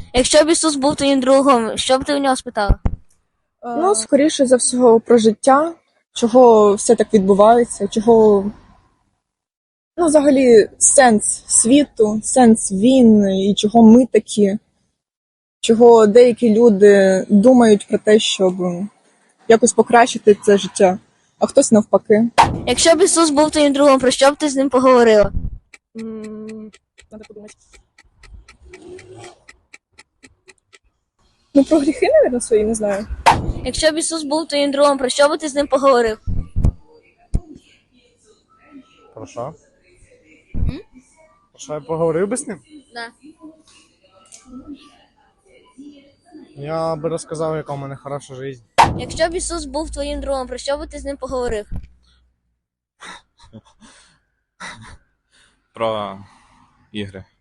Якщо б Ісус був твоїм другом, що б ти у нього спитала? Ну, скоріше за всього, про життя, чого все так відбувається, чого, ну, взагалі, сенс світу, сенс війн і чого ми такі, чого деякі люди думають про те, щоб якось покращити це життя, а хтось навпаки. Якщо б Ісус був твоїм другом, про що б ти з ним поговорила? Надо подумати. Ну, про гріхи, мабуть, свої, не знаю. Якщо б Ісус був твоїм другом, про що б ти з ним поговорив? Про що? Про що я поговорив би з ним? Да. Я би розказав, яка у мене хороша життя. Якщо б Ісус був твоїм другом, про що б ти з ним поговорив? Про ігри.